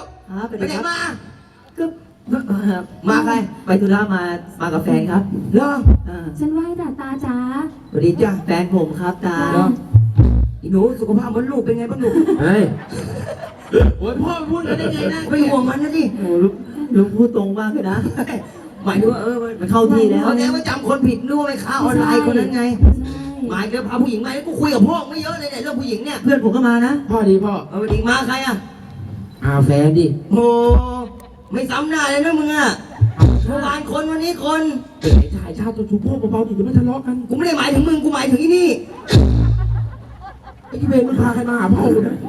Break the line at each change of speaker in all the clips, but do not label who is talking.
ครับ
ไปไหนมา
ก็
มาใคร
ไปธุระมากับแฟนครับ
เหรอ
ฉันไหว้ตาตาจ๋า
สวัสดีจ้า
แฟนผมครับตา
อีหนูสุขภาพมดลูกเป็นไงบ้างลูก
เฮ้ยโอ้ยพ่อพูดได้ไงนะ
ไม่ห่วงมันนะดิ
โอ้ลุงพูดตรงมากเลยนะ
หมายถึงว่า
มันเข้าที่แล้ว
เขาแกว่าจำคนผิดนึกว่าไปค้าออนไลน์คนนั้นไง
ใช่
หมายถึงพาผู้หญิงมาแล้วกูคุยกับพ่อไม่เยอะเลยเนี่ยเรื่องผู้หญิงเนี่ย
เพื่อนผมก็มานะ
พ่อดีพ่อ
เอาไปดิมาใครอ่ะ
แฟนดิ
โอ้ไม่ซ้ำหน้าเลยนะมึงอ่ะเมื่อวานคนวันนี้คน
เอ๋ชายชาติตัวชูพ่อเบาๆดิจะไม่ทะเลาะกัน
กูไม่ได้หมายถึงมึงกูหมายถึงอีนี่
ไอ้ที่เวรมันพาใครมาหาพ่อกูเนี่ย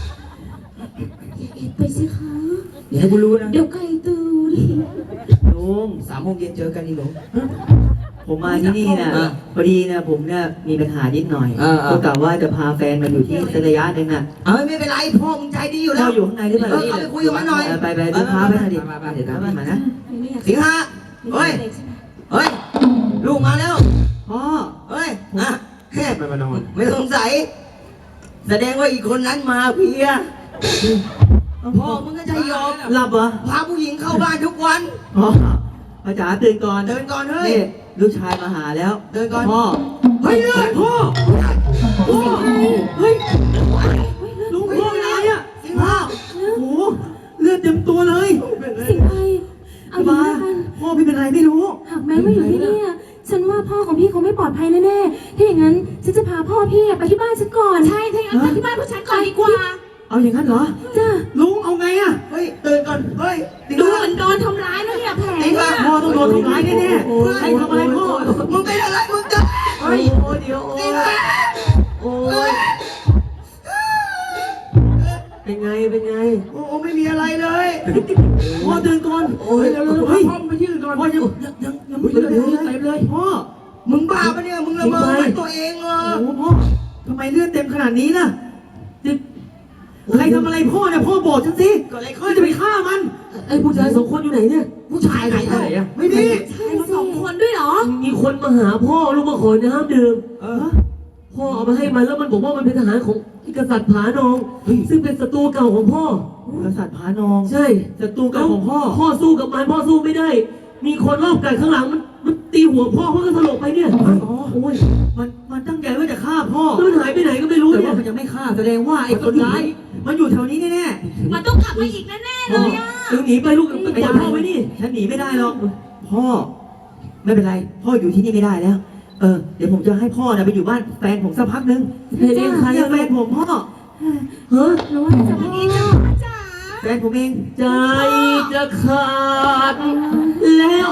ไปสิคะ
อย่าให้กูรู้นะ
เดี๋ยวไก่ตื่น
ลุง
3 โมงเย็นเจอกันอีหนู
ผมมาที่นี่นะ
อ่ะ
พอดีนะผมเนี่ยมีปัญหานิดหน่อย ก็กะว่าจะพาแฟนมาอยู่ที่สักระยะหนึ่งอ่ะ
ไม่เป็นไรพ่อมึงใจดีอยู่แล้
เรา
ว
อยู่ข้างในหรือเปล่า
เอาไปคุยกับมันหน่อย
ไปดูพาไปหน่อยดิเดี๋ยวตามมานะ
ไม่อยาก
สิงหาเฮ้ย เฮ้ย ลูกมาแล้ว
พ่อ
เฮ้ยอ่ะแค่
ไม่มานอน
ไม่สงสัย แสดงว่าอีกคนนั้นมาเพียพ่อมึงก็ใจยอม
หลับเหรอ
พาผู้หญิงเข้าบ้านทุกวัน
พ่อพ่อจ๋าตื่นก่อน
เดินก่อนเฮ้ย
นี่ลูกชายมาหาแล้ว
เดินก่อน
พ่อ
เฮ้ยเลือด
พ่อพ่อเฮ้ยลุงพ่ออะไรอ่ะ
สิงหา
โอ้โหเลือดเต็มตัวเลย
สิงไปเอาอย่างนี้กัน
พ่อพี่เป็นไรไม่รู้
หากแม้ว่าอยู่ที่นี่ฉันว่าพ่อของพี่คงไม่ปลอดภัยแน่ๆถ้าอย่างนั้นฉันจะพาพ่อพี่ไปที่บ้านฉันก่อนใช่ถ้าอย่างนั้นไปที่บ้านพวกฉันก่อนดีกว่า
เอาอย่างนั้นเหรอ
จ้า
ลุงเอาไงอ่ะ
เฮ้ยเดินก่อน เฮ้ยสิง
ดู
หา
เหมือนโดนทำร้ายแล้วเนี่ยแผล
สิงหา
พ่อต้องโดนทำร้ายแน่ๆใครทำอะไรพ่อ
มึงเป็นอะไรมึงจะ
โอ้ยเดี๋ยว
สิงหา
โอ้ยเป็นไงเป็นไง
โอ้ไม่มีอะไรเลย
พ่อตื่นก่อน
โอ้ยแล้ว
เฮ้ย
พ่อมายืนก่อน
พ่อยังไม่ตื่นเลยพ่อ
มึงบ้าปะเนี่ย มึงละเมอเหมือนตัวเองเหรอ
โอ้พ่อทำไมเลือดเต็มขนาดนี้ล่ะใครทำอะไรพ่อเนี่ยพ่อบอกฉันสิ
เกิดอะไร
เอ
ขึ้
อน จะไปฆ่ามันไอ้ผู้ชาย2 คนอยู่ไหนเนี่ย
ผู้ชายไหนอ่ะไม่มี
ใช่สองคนด้วยเหรอ
มีคนมาหาพ่อลูกมาขอน้ำดื่ม
เออ
พ่อเอามาให้มันแล้วมันบอกว่ามันเป็นทหารของกษัตริย์ผานอง ซึ่งเป็นศัตรูเก่าของพ่อก
ษัตริย์ผานอง
ใช่
ศัตรูเก่าของพ่อ
พ่อสู้กับมันพ่อสู้ไม่ได้ มีคนรอบกัดข้างหลังมันตีหัวพ่อก็สลบไปเนี่ย
อ๋อ
โอ้ย
มันตั้งใจว่าจะฆ่าพ่อ
แล้วมันหายไปไหนก็ไม่รู้
แต่
เนี่
ว่าย มันยังไม่ฆ่าแสดงว่าไอ้คนร้ายมันอยู่แถวนี้แน่
มันต้องกลับมาอีกแน่ๆเลยอ่ะ
เดี๋ยวหนีไปลูก
ๆ
ไปปล่อยพ่อไว้นี่
ฉันหนีไม่ได้หรอกพ่อ ไม่เป็นไร พ่ออยู่ที่นี่ไม่ได้แล้ว เดี๋ยวผมจะให้พ่อไปอยู่บ้านแฟนผมสักพักนึง
เฮ้ยนี่ใคร
เนี่ย
อะ
แฟนผมพ่อ
ฮะ
รู้ว่าจะพ่อจ๋า
แฟนผมเอง
ใจจะขาดแล้ว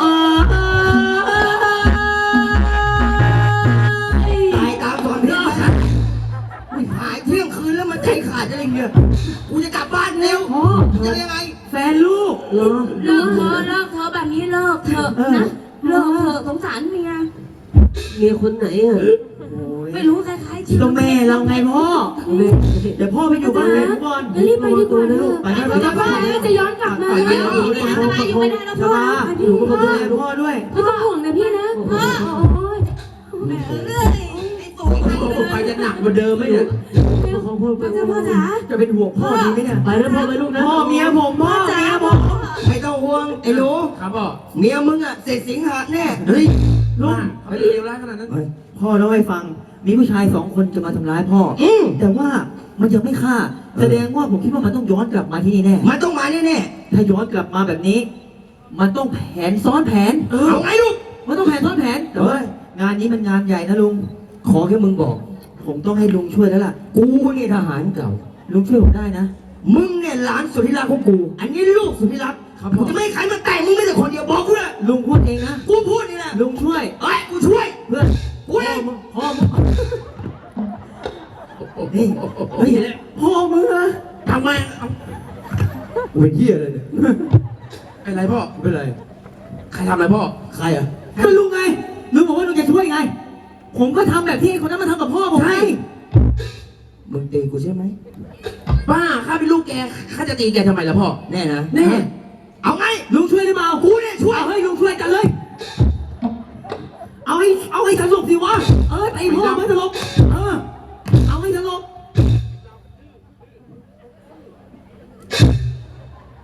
ตายตามสอนเพื่อนหายเที่ยงคืนแล้วมันใจขาดอะไรเงี้ยกูจะกลับบ้านเร็ว
พ่อ
จะยังไง
แฟนลูก
เหรอ
เลิกเธอแบบนี้เลิกเถอะนะเลิกเถอะสงสารเมีย
เมียคนไหนอ่ะ
โอ้ย
ไม่รู้คล้ายๆ
ก็แม่เราไงพ่อ
แม่
เดี๋ยวพ่อไปอยู่บ้านแฟนผมก่อน
รีบไปดีกว่าเถอะ
ไป
ไปดีกว่าจะย้อนกลับมา
ไป
ไม่ได้แล้ว
ช
พ่อบ
า
ไม่
อยู่กับดูแลพ่อด้วย
ต้องห่วงนะพี่นะโอ้ย
เรื่อยไอ้ตุ๋ยใครเลย
ไปจะหนักกว่าเดิมไหมเนี่ย
ของพ่อไป
พ่อจ๋า
จะเป็นห่วงพ่อดีไหมเนี่ย
ไปแล้วพ่อไปลูกนะ
พ่อเมียผมพ่อเมียผม
ไม่ต้องห่วงไอ้หนู
ครับพ่อ
เมียมึงอ่ะเสร็จสิงหาแน่
เฮ้ยลุง
เขาเลวร้ายขนาดนั้น
พ่อเล่าให้ฟัง มีผู้ชาย2 คนจะมาทำร้ายพ่อ แต่ว่ามันยังไม่ฆ่า แสดงว่าผมคิดว่ามันต้องย้อนกลับมาที่นี่แน่
มันต้องมาแน่
ถ้าย้อนกลับมาแบบนี้ มันต้องแผนซ้อนแผน
ๆเอาไงลูก
มันต้องแผนซ้อนแผน แต่ว่างานนี้มันงานใหญ่นะลุง
ขอแค่มึงบอก
ผมต้องให้ลุงช่วยแล้วล่ะ
กูนี่ทหารเก่า
ลุงช่วยผมได้นะ
มึงเนี่ยหลานสุธิรักของกู อันนี้ลูกสุธิรัก
ครับ
กู
พ่อ
จะไม่ให้ใครมาแต่งมึงไม่แต่คนเดียวบอกกูเลย
ลุงพูดเองนะ
กูพูดนี่แหละ
ลุงช่วย
เฮ้ยกูช่วย
เพื่อน
กูเอง
พ่อมึงเฮ้ยเฮ้ยพ่อมึงนะ
ทำไม
กูเป็นเหี้ยเลยเนี่ย
เป็นไรพ่อเป็นไรใครทำอะไรพ่อ
ใครอ่ะ
ก็ลุงไงลุงบอกว่าลุงจะช่วยไง ผมก็ทำแบบที่คนนั้นมาทำกับพ่อผมไง
มึงตีกูใช่ไหม
ป้าข้าเป็นลูกแกข้าจะตีแกทำไมล่ะพ่อ
แน่นะ
แน่
เอาไง
ลุงช่วยหรือเปล่า
กูเนี่ยช่วย
เอาให้ลุงช่วยกันเลย เอาให้สลบสิวะ ไอ้พ่อไม่สลบเอาให้สลบ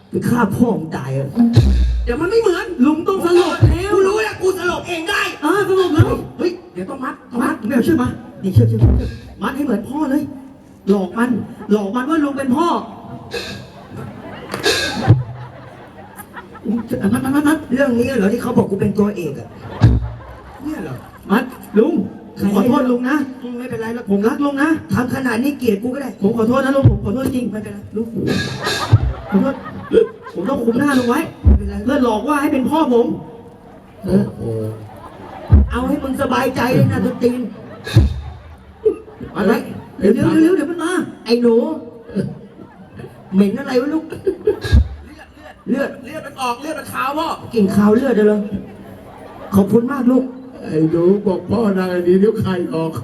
ไปฆ่าพ่อมึงตายอะเดี๋ยวมันไม่เหมือน
ลุงต้องสลบแล้ว
กูรู้แล้วกูสลบเองได้
สลบแล้ว
เฮ้ยเดี๋ยวต้องมัด
มัดไม่เอาเชื่อมานี่เชื่อมัดให้เหมือนพ่อเลย หลอกมันว่าลุงเป็นพ่อมัด
เรื่องนี้เหรอที่เขาบอกกูเป็นตัวเอกอะเนี่ยเหรอ
มัดลุงผมขอโทษลุงนะ
ไม่เป็นไรแล้ว
ผมรักลุงนะ
ทำขนาดนี้เกลียดกูก็ได้
ผมขอโทษนะลุงผมขอโทษจริง
ไม่เป็นไร
ลุงขอโทษผมต้องคุมหน้าลุงไว้
ไม่เป็นไร
เพื่อหลอกว่าให้เป็นพ่อผม
เอาให้มึงสบายใจเลยนะตุ๊ตีน
อะไรเดี๋ยวเดี๋ยวมันมา
ไอ้หนูเหม็นอะไรวะลูกเลือด
เลือดมันออกเลือดมันขาวพ่อ
กินข้าวเลือดเลยเหรอขอบคุณมากลูก
ไอ้หนูบอกพ่อนางอันนี้เดี๋ยวไข่ออก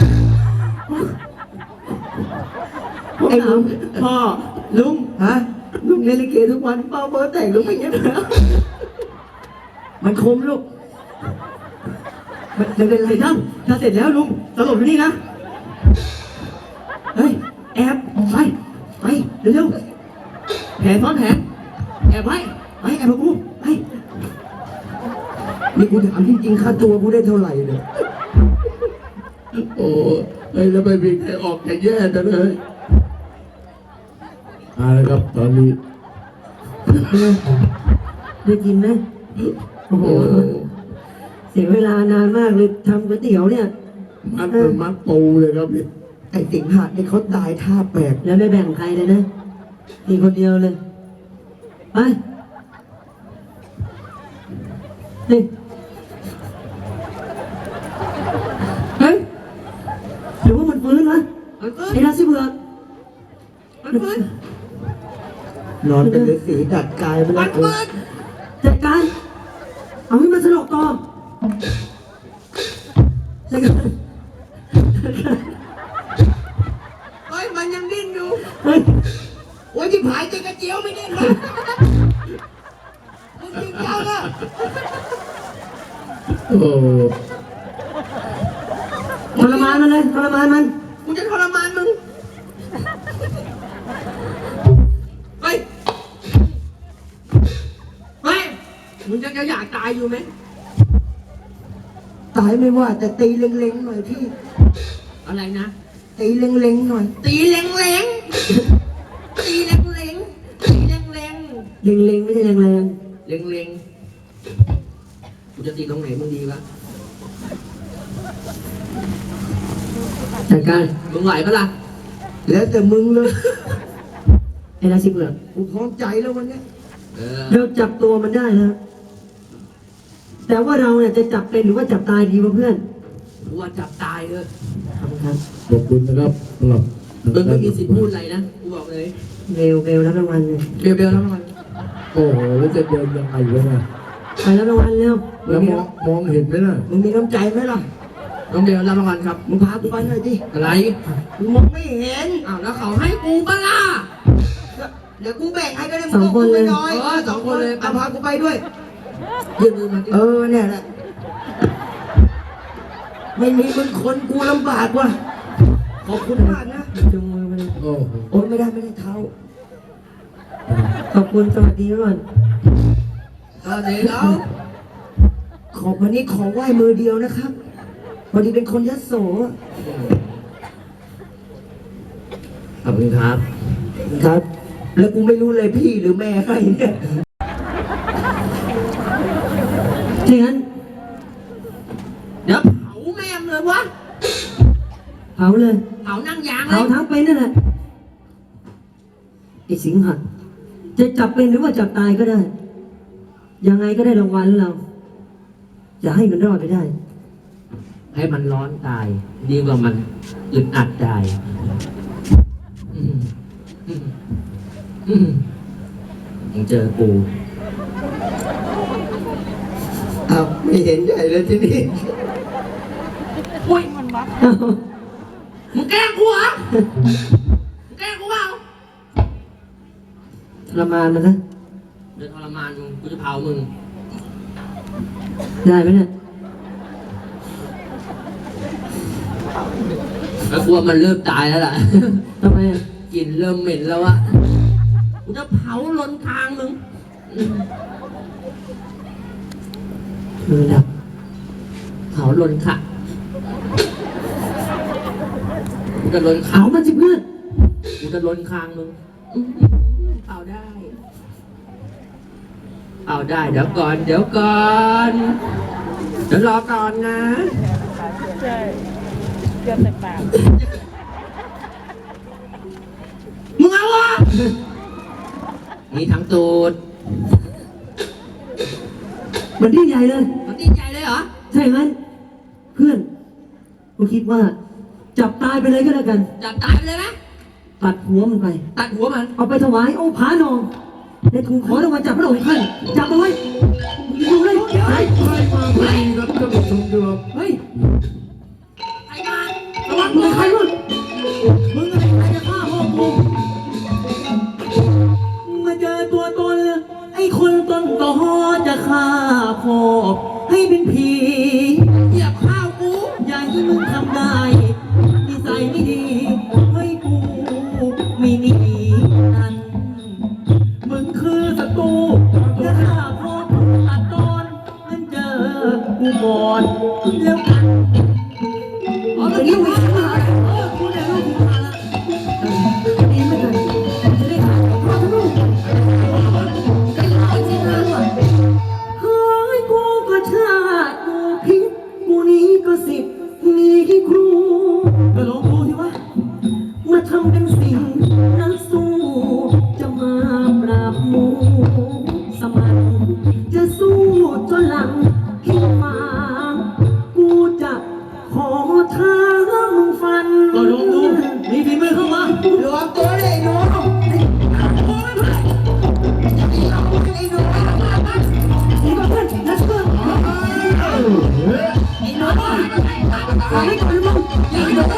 ไอ้ลุงพ่อลุง
ฮะ
ลุงเล่นลิเกทุกวันเป้าเบอร์แต่งลุงไม่เงี้ยแล้ว
มันคมลูกมันเป็นไร
เสร็จแล้วถ้าเสร็จแล้วลุงสลบอยู่นี่นะเฮ้ยแอบไปเร็วๆแผนซ้อนแผนแอบไว้ไปแอบมากูไป
นี่กูถามจริงๆค่าตัวกูได้เท่าไหร่เนี่ย
โอ้ไอ้แล้วไม่มีใครออกจะแย่จังเลยเอาละครับตอนนี้
ได้กินไหมโอ้โห เสียเวลานานมากเลยทำก๋วยเตี๋ยวเนี่ย
มัดปูเลยครับนี่
ไอ้สิงหาเนี่ยเขาตายท่าแปลก
แล้วไม่แบ่งใครเลยนะมีคนเดียวเลย ไปนี่เฮ้ยหรือว่ามันฟื้นวะไอ้ราศีเบือก
นอนเป็นฤาษีดัดกายไปแล้วกู
จัดการ เอาให้มันสลบต่อจัดการ
เฮ้ยมันยังดิ้นอยู่
เฮ้ย
โอ้ยที่ผายเจกระเจียวไม่ดิ้นเลยมึงจริงจังอะ
โอ้
ทรมานมันเลยทรมานมัน
กูจะทรมานมึงเฮ้ยมึงจะอยากตายอยู่ไหมตายไม่ว่าแต่ตีเล็งๆหน่อยพี่
อะไรนะ
ตีเล็งๆหน่อย
ตีแรงๆตีแรงๆตีแรง
เล็งๆไม่ใช่แรง
ๆเล็งๆกูจะตีตรงไหนมึงดีวะ
ๆจัดการ
มึงไหวปะล่ะ
แล้วแต่มึงเลย
ไอ้ราศีเบือก
กูพร้อมใจแล้ววันเนี้ย
เราจับตัวมันได้แล้ว แต่ว่าเราเนี่ยจะจับเป็นหรือว่าจับตายดีวะเพื่อน
กูว่าจับตายเลย
ขอบคุณครับ
ขอบคุณนะครับสำหรับ
มึงไม่มีสิทธิ์พูดอะไรนะกูบอกเลย
เบลรับรางวัลเลย
เบลแล้วมัน
โอ้โหแล้วจะเดินยังไงวะเนี่ย
ไปรับรางวัลเร็ว
แล้วมองเห็นไหมล่ะ
มึงมีน้ำใจไหมล่ะ
น้องเบลรับรางวัลครับ
มึงพากูไปหน่อยดิ
อะไร
กูมองไม่เห็น
อ้าวแล้วเขาให้กูปะล่ะ
เดี๋ยวกูแบ่งให้ก็ได้
สองคนเลย
น้อยสองคนเลยพากูไปด้วย
ยื่นมือมาดิ
เนี่ยแหละ ไม่มีมึงคนกูลำบากว่ะ ขอบคุณมากนะ
จุงมือมาเลย
โอ้โห
โอ้ยไม่ได้เท้า
ขอบคุณสวัสดีก่อน
เดี๋ยว
ขอบวันนี้ขอไหว้มือเดียวนะครับพอดีเป็นคนยโส
ขอบคุณครับ
ครับ แล้วกูไม่รู้เลยพี่หรือแม่ให้เนี่ย
ถ้างั้น
เดี๋ยวเผาแม่มเลยวะ
เผาเลย
เผานั่งยางเล
เผาย ทั้งเป็นนั่นแหละไอ้สิงหักจะจับเป็นหรือว่าจับตายก็ได้ ยังไงก็ได้รางวัลเรา อย่าให้มันรอดไปได้
ให้มันร้อนตาย ดีกว่ามันอึดอัดตายยังเจอกู
อ้าวไม่เห็นใหญ่เลยที่นี่
อุ้ยมึงแกล้งกูเหรอมึงแกล้งกูเปล่า
ทรมานมันนะ
เดี๋ยวทรมานมึงกูจะเผามึง
ได้ไหมเนี่ย
แล้วกลัวมันเริ่มตายแล้วล่ะ
ทำไมอะ
กลิ่นเริ่มเหม็นแล้วอะ
เ
กูจะเผาลนทางมึง
คือดับ
เผาลนค่ะกูจะลน
เอามันสิเพื่อน
กูจะลนคางมึงเอาได้ เอาได้เดี๋ยวก่อน เดี๋ยวก่อน เดี๋ยวรอก่อนนะ
ใช่เกือบแต่ปาก
มึงเอาวะนี่ทั้งตูด
มันที่ใหญ่เลย
มันดีใจเลยเหรอ
ใช่ไหมเพื่อนกูคิดว่า จับตายไปเลยก็แล้วกัน
จับตายไปเลยนะ
ตัดหัวมันไป
ตัดหัวมัน
เอาไปถวายองค์ผานองในทูลขอรางวัลจากพระองค์ท่านจับเอาไว้ดูเลย
ใครมาพอดีครับท่านผู้ชมครับ
เฮ้ย
ใครมา
ระวังมือใครมึงมึงอะไรใครจะฆ่าพ่อกูมาเจอตัวตนไอ้คนต้นต่อจะฆ่าพ่อให้เป็นผี
เหยียบข้าวกู
อย่าให้มึงทำได้นิสัยไม่ดีให้กูไม่หนีนั่นมึงคือศัตรูจะฆ่าพ่อตัดตอนมันเจอกูก่อนแล้วกัน
อ๋อเมื่อกี้วิ่งมา
กูเนี่ยลูกกูมาแล้วดีไม่กันจะได้ขาดของพ่อทั้งลูก
ไอ้ร้อยสินะว่ะ
เฮ้ยกูก็ชาติกูพิษกูนี้ก็สิบมีครูก็ลองดูสิวะมาทำเป็นสิ่งนักสู้จะมาปราบหมูสมันจะสู้จนหลังพิมมากูจะขอท้ามึงฟันก็ลองดูมีฝีมือเข้ามา
หลวมตัวเลยหนูไอ้หนู
ดีกว่าเพื่อนนะเพื่อน
ไอ้หนู
ขอให้ก่อนมึง
ไอ้หนู